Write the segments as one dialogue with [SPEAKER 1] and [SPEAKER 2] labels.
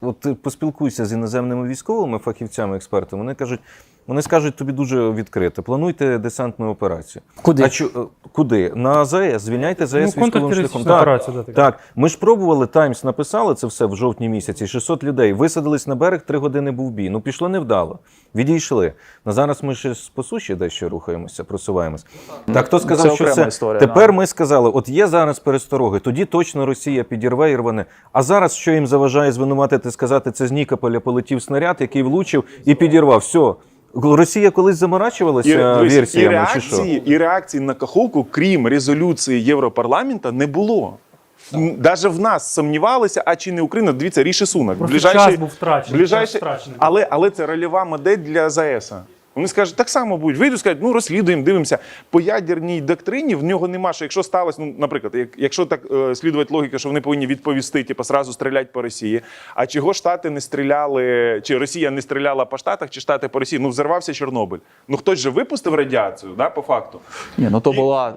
[SPEAKER 1] от ти поспілкуйся з іноземними військовими фахівцями, експертами, вони скажуть тобі дуже відкрито, плануйте десантну операцію.
[SPEAKER 2] Куди?
[SPEAKER 1] Куди? На АЗС, звільняйте АЗС військовим шляхом.
[SPEAKER 3] Так.
[SPEAKER 1] Ми ж пробували, Таймс написали це все в жовтні місяці, 600 людей, висадились на берег, 3 години був бій. Ну, пішло невдало, відійшли. Зараз ми ще по суші дещо рухаємося, просуваємося. Так, хто сказав, що це?
[SPEAKER 4] Історія,
[SPEAKER 1] Тепер ми сказали, от є зараз перестороги, тоді точно Росія підірве і рване. А зараз що їм заважає звинуватити, сказати, це з Нікополя полетів снаряд, який влучив і підірвав. Все. Росія колись заморачувалася версіями, чи що?
[SPEAKER 3] І реакції на Каховку, крім резолюції Європарламенту, не було. Навіть в нас сумнівалися, а чи не Україна. Дивіться, Ріші Сунак.
[SPEAKER 5] Час був втрачений.
[SPEAKER 3] Але це рольова модель для ЗАЕС. Вони скажуть, так само будуть. Вийдуть, скажуть, ну розслідуємо, дивимося. По ядерній доктрині в нього нема, що якщо сталося, ну, наприклад, якщо так слідувати логіка, що вони повинні відповісти, типу, сразу стріляти по Росії, а чого Штати не стріляли, чи Росія не стріляла по Штатах, чи Штати по Росії, ну взорвався Чорнобиль. Ну хтось же випустив радіацію, да, по факту.
[SPEAKER 4] Ні, ну то була...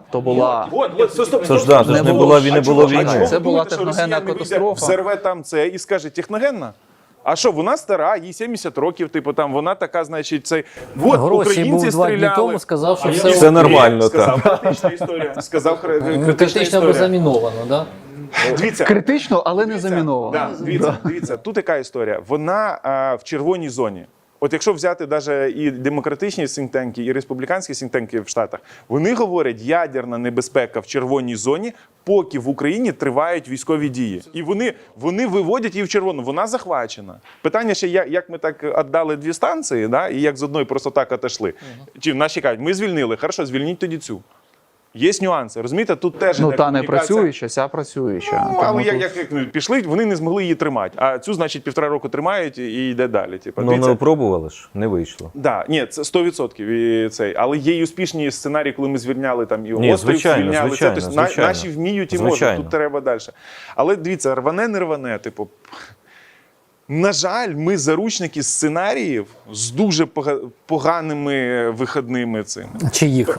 [SPEAKER 1] Не було війни.
[SPEAKER 4] Це була техногенна катастрофа.
[SPEAKER 3] Взорве там це і скаже, техногенна? А що, вона стара, їй 70 років, типу, там, вона така, значить, цей...
[SPEAKER 2] Вот, українці був 2 дні тому, сказав, що
[SPEAKER 1] все нормально.
[SPEAKER 3] Сказав критична історія. Сказав
[SPEAKER 2] критично або заміновано, да?
[SPEAKER 3] Дивіться.
[SPEAKER 4] Критично, але не заміновано.
[SPEAKER 3] Дивіться, тут яка історія. Вона в червоній зоні. От якщо взяти навіть і демократичні синктенки, і республіканські синктенки в Штатах, вони говорять, ядерна небезпека в червоній зоні, поки в Україні тривають військові дії. І вони виводять її в червону, вона захвачена. Питання ще, як ми так віддали 2 станції, да, і як з одної просто так отошли. Чи наші кажуть, ми звільнили, хорошо, звільніть тоді цю. Є нюанси, розумієте, тут теж
[SPEAKER 4] ну, та не працююча, ця працююча.
[SPEAKER 3] Ну, але як пішли, вони не змогли її тримати. А цю, значить, 1,5 року тримають і йде далі. Типу,
[SPEAKER 1] ну, не пробували ж, не вийшло.
[SPEAKER 3] Да, ні, це 100%. І цей. Але є і успішні сценарії, коли ми звільняли там і острів, звільняли. Тобто, наші вміють і можуть, тут треба далі. Але дивіться, рване, не рване, типу... На жаль, ми заручники сценаріїв з дуже поганими виходними цими.
[SPEAKER 2] Чиїх?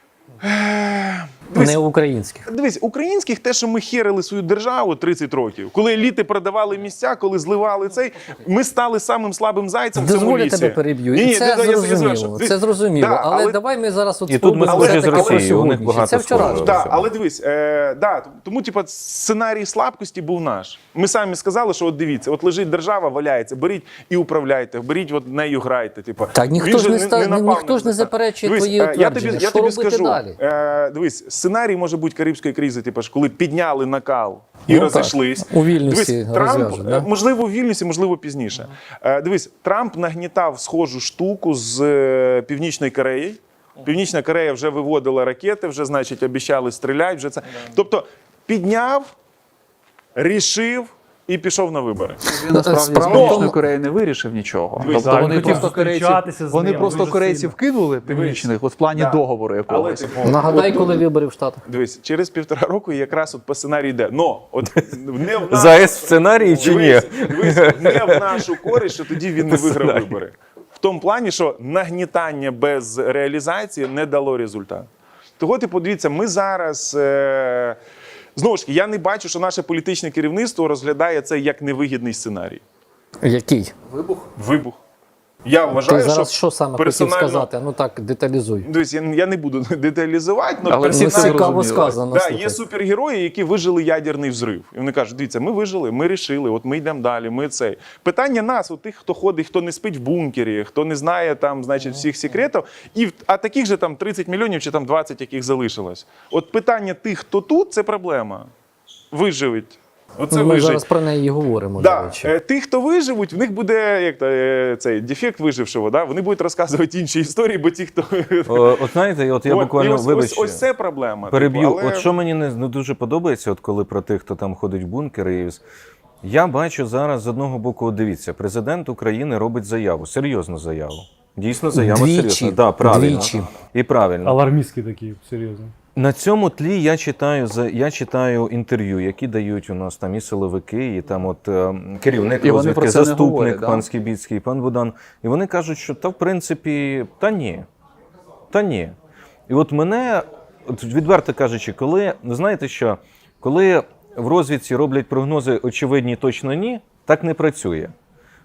[SPEAKER 2] Не українських.
[SPEAKER 3] Дивись, українських те, що ми херили свою державу 30 років, коли еліти продавали місця, коли зливали цей, ми стали самим слабим зайцем в цьому лісі.
[SPEAKER 2] Дозволю тебе переб'ю. Це зрозуміло.
[SPEAKER 3] Да,
[SPEAKER 2] але давай ми зараз
[SPEAKER 1] і тут ми схожі з Росією, у них багато
[SPEAKER 2] це вчора.
[SPEAKER 3] Да, але дивись, тому типу, сценарій слабкості був наш. Ми самі сказали, що от дивіться, от лежить держава, валяється, беріть і управляйте, беріть от нею грайте. Типу.
[SPEAKER 2] Так, ніхто ж не заперечує твої твердження. Що робити далі?
[SPEAKER 3] Дивись, сценарій може бути Карибської кризи, типу, коли підняли накал і розійшлись.
[SPEAKER 2] У Вільнюсі розв'яжуть, да?
[SPEAKER 3] Можливо, у Вільнюсі, можливо, пізніше. Дивись, Трамп нагнітав схожу штуку з Північної Кореї. Північна Корея вже виводила ракети, вже, значить, обіцяли стріляти. Вже це. Тобто, підняв, рішив і пішов на вибори.
[SPEAKER 4] Він насправді з Північної Кореї не вирішив нічого. Тобто вони просто корейців кинули північних от в плані договору якогось.
[SPEAKER 2] Нагадай, коли вибори в Штатах.
[SPEAKER 3] Дивись, через 1,5 року якраз от по сценарію йде. Но от не в
[SPEAKER 1] ЗАЕС в сценарії чи ні?
[SPEAKER 3] Дивись, не в нашу користь, що тоді він не виграв вибори. В тому плані, що нагнітання без реалізації не дало результат. Того, ти подивіться, ми зараз... Знову ж таки, я не бачу, що наше політичне керівництво розглядає це як невигідний сценарій.
[SPEAKER 2] Який?
[SPEAKER 3] Вибух. Я вважаю,
[SPEAKER 2] ти зараз що саме хотів сказати? Ну так, деталізуй.
[SPEAKER 3] Дивись, я не буду деталізувати,
[SPEAKER 4] але
[SPEAKER 2] цікаво сказано.
[SPEAKER 3] Да, є супергерої, які вижили ядерний взрив. І вони кажуть, дивіться, ми вижили, ми рішили, от ми йдемо далі, ми цей. Питання нас, от тих, хто ходить, хто не спить в бункері, хто не знає там, значить, всіх секретів, а таких же там 30 мільйонів чи там 20, яких залишилось. От питання тих, хто тут, це проблема. Виживуть.
[SPEAKER 2] Ми зараз про неї говоримо.
[SPEAKER 3] Да. Ті, хто виживуть, в них буде як цей дефект вижившого. Да? Вони будуть розказувати інші історії, бо ті, хто...
[SPEAKER 1] От знаєте, от я буквально, вибачте,
[SPEAKER 3] ось це проблема.
[SPEAKER 1] Переб'ю. Але... От що мені не дуже подобається, от коли про тих, хто там ходить в бункери, я бачу зараз з одного боку, от дивіться, президент України робить заяву, серйозну заяву. Дійсно заява серйозна. Да, правильно. І правильно.
[SPEAKER 5] Алармістські такі, серйозно.
[SPEAKER 1] На цьому тлі я читаю інтерв'ю, які дають у нас там і силовики, і там от керівник розвідки, заступник пан Скібіцький, пан Будан. І вони кажуть, що в принципі, та ні. І от мене, відверто кажучи, коли, знаєте що, коли в розвідці роблять прогнози очевидні точно ні, так не працює.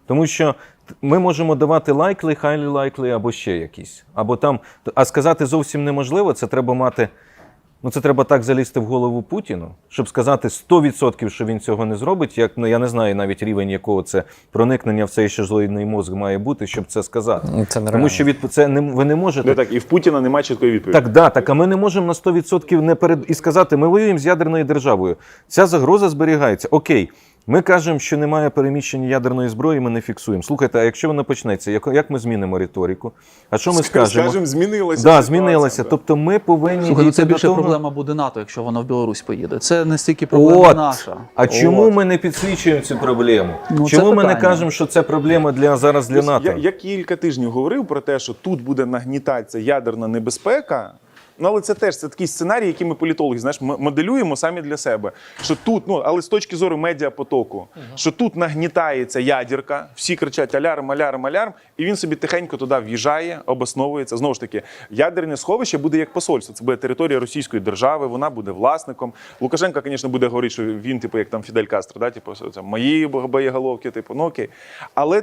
[SPEAKER 1] Тому що ми можемо давати likely, highly likely або ще якісь. Або там, а сказати зовсім неможливо, це треба мати. Ну, це треба так залізти в голову Путіну, щоб сказати 100%, що він цього не зробить, як, ну, я не знаю навіть рівень, якого це проникнення в цей шизоїдний мозк має бути, щоб це сказати.
[SPEAKER 2] Це
[SPEAKER 1] Тому що ви не можете...
[SPEAKER 3] Не так, і в Путіна немає чіткої відповіді.
[SPEAKER 1] Так, а ми не можемо на 100% і сказати, ми воюємо з ядерною державою. Ця загроза зберігається. Окей. Ми кажемо, що немає переміщення ядерної зброї, ми не фіксуємо. Слухайте, а якщо воно почнеться, як ми змінимо риторику? А що ми скажемо?
[SPEAKER 3] Скажемо, змінилася
[SPEAKER 1] Да,
[SPEAKER 3] ситуація.
[SPEAKER 1] змінилася. Тобто ми повинні
[SPEAKER 4] Слухай, ну це
[SPEAKER 1] дійти
[SPEAKER 4] більше
[SPEAKER 1] до того...
[SPEAKER 4] проблема буде НАТО, якщо воно в Білорусь поїде. Це не стільки проблема наша.
[SPEAKER 1] А чому ми не підсвічуємо цю проблему?
[SPEAKER 4] Ну,
[SPEAKER 1] Чому
[SPEAKER 4] це
[SPEAKER 1] ми не
[SPEAKER 4] питання.
[SPEAKER 1] кажемо, що це проблема зараз для НАТО?
[SPEAKER 3] Я кілька тижнів говорив про те, що тут буде нагнітатися ядерна небезпека. Ну, але це такий сценарій, який ми політологи, знаєш, моделюємо самі для себе. Що тут, але з точки зору медіапотоку, що тут нагнітається ядерка, всі кричать алярм, алярм, алярм, і він собі тихенько туди в'їжджає, обосновується. Знову ж таки, ядерне сховище буде як посольство. Це буде територія Російської держави, вона буде власником. Лукашенко, звісно, буде говорити, що він, як там Фідель Кастро, да, це мої боєголовки, ну окей. Але,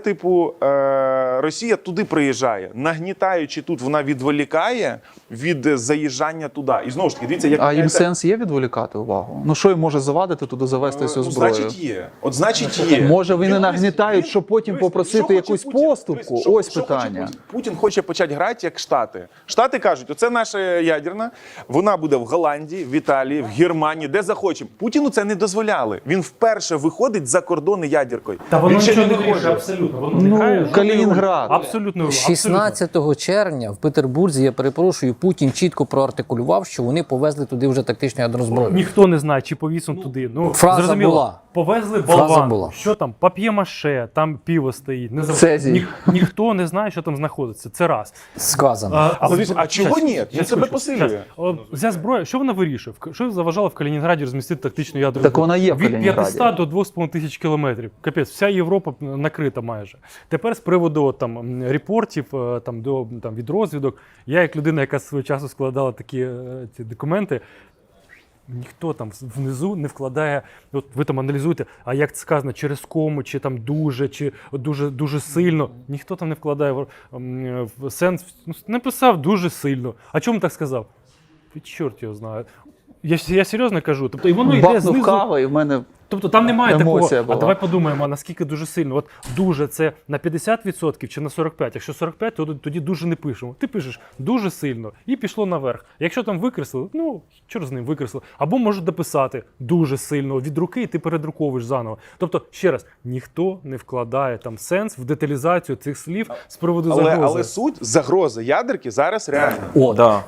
[SPEAKER 3] Росія туди приїжджає, нагнітаючи тут, вона відволікає від заїжджання туди. І знову ж таки, дивіться, як...
[SPEAKER 4] А їм сенс є відволікати увагу? Ну що їм може завадити туди завести цю зброю?
[SPEAKER 3] Значить є.
[SPEAKER 4] Може вони нагнітають, щоб потім попросити якусь поступку? Ось питання.
[SPEAKER 3] Путін хоче почати грати як Штати. Штати кажуть, оце наша ядерна, вона буде в Голландії, в Італії, в Германії, де захочемо. Путіну це не дозволяли. Він вперше виходить за кордони ядеркою.
[SPEAKER 5] Та воно
[SPEAKER 3] Він ще
[SPEAKER 5] нічого не
[SPEAKER 3] виходить.
[SPEAKER 5] вирішує, абсолютно. Воно не грає жодної
[SPEAKER 4] Калінінград.
[SPEAKER 5] ролі. Абсолютно.
[SPEAKER 2] 16 червня в Петербурзі, я перепрошую, Путін чітко проартикулював, що вони повезли туди вже тактичну ядерну зброю.
[SPEAKER 5] Ніхто не знає, чи повісом туди. Ну,
[SPEAKER 2] фраза
[SPEAKER 5] зрозуміло,
[SPEAKER 2] була.
[SPEAKER 5] Повезли
[SPEAKER 2] Фраза
[SPEAKER 5] болван.
[SPEAKER 2] була.
[SPEAKER 5] Що там? Пап'є-маше, там пиво стоїть. Не знаю.
[SPEAKER 4] Цезій.
[SPEAKER 5] Ніхто не знає, що там знаходиться. Це раз.
[SPEAKER 2] Сказано.
[SPEAKER 3] А чого ні? Він
[SPEAKER 5] Щас,
[SPEAKER 3] себе
[SPEAKER 5] щас,
[SPEAKER 3] посилює.
[SPEAKER 5] щас. Ця зброя, що вона вирішує? Що заважало в Калінінграді розмістити тактичну ядерну
[SPEAKER 4] Так
[SPEAKER 5] зброю?
[SPEAKER 4] вона є в
[SPEAKER 5] Від
[SPEAKER 4] Калінінграді.
[SPEAKER 5] 500 до 2,5 тисяч кілометрів. Капець, вся Європа накрита майже. Тепер з приводу там репортів від розвідок. Я як людина, яка свого часу складала такі ці документи, ніхто там внизу не вкладає, от ви там аналізуєте, а як це сказано, через кому, чи там дуже, чи дуже сильно. Ніхто там не вкладає в сенс, написав дуже сильно. А чому так сказав? Чорт його знає. Я серйозно кажу. Тобто, і воно йде
[SPEAKER 4] Бахнув
[SPEAKER 5] знизу.
[SPEAKER 4] кава і в мене...
[SPEAKER 5] Тобто там немає такого,
[SPEAKER 4] Емоція була.
[SPEAKER 5] а давай подумаємо, а наскільки дуже сильно. От дуже це на 50% чи на 45%. Якщо 45%, то тоді дуже не пишемо. Ти пишеш дуже сильно і пішло наверх. Якщо там викреслили, ну, чорт з ним викреслили. Або можуть дописати дуже сильно від руки і ти передруковуєш заново. Тобто, ще раз, ніхто не вкладає там сенс в деталізацію цих слів з приводу загрози.
[SPEAKER 3] Але суть загрози ядерки зараз реальна.
[SPEAKER 2] От.
[SPEAKER 1] Да.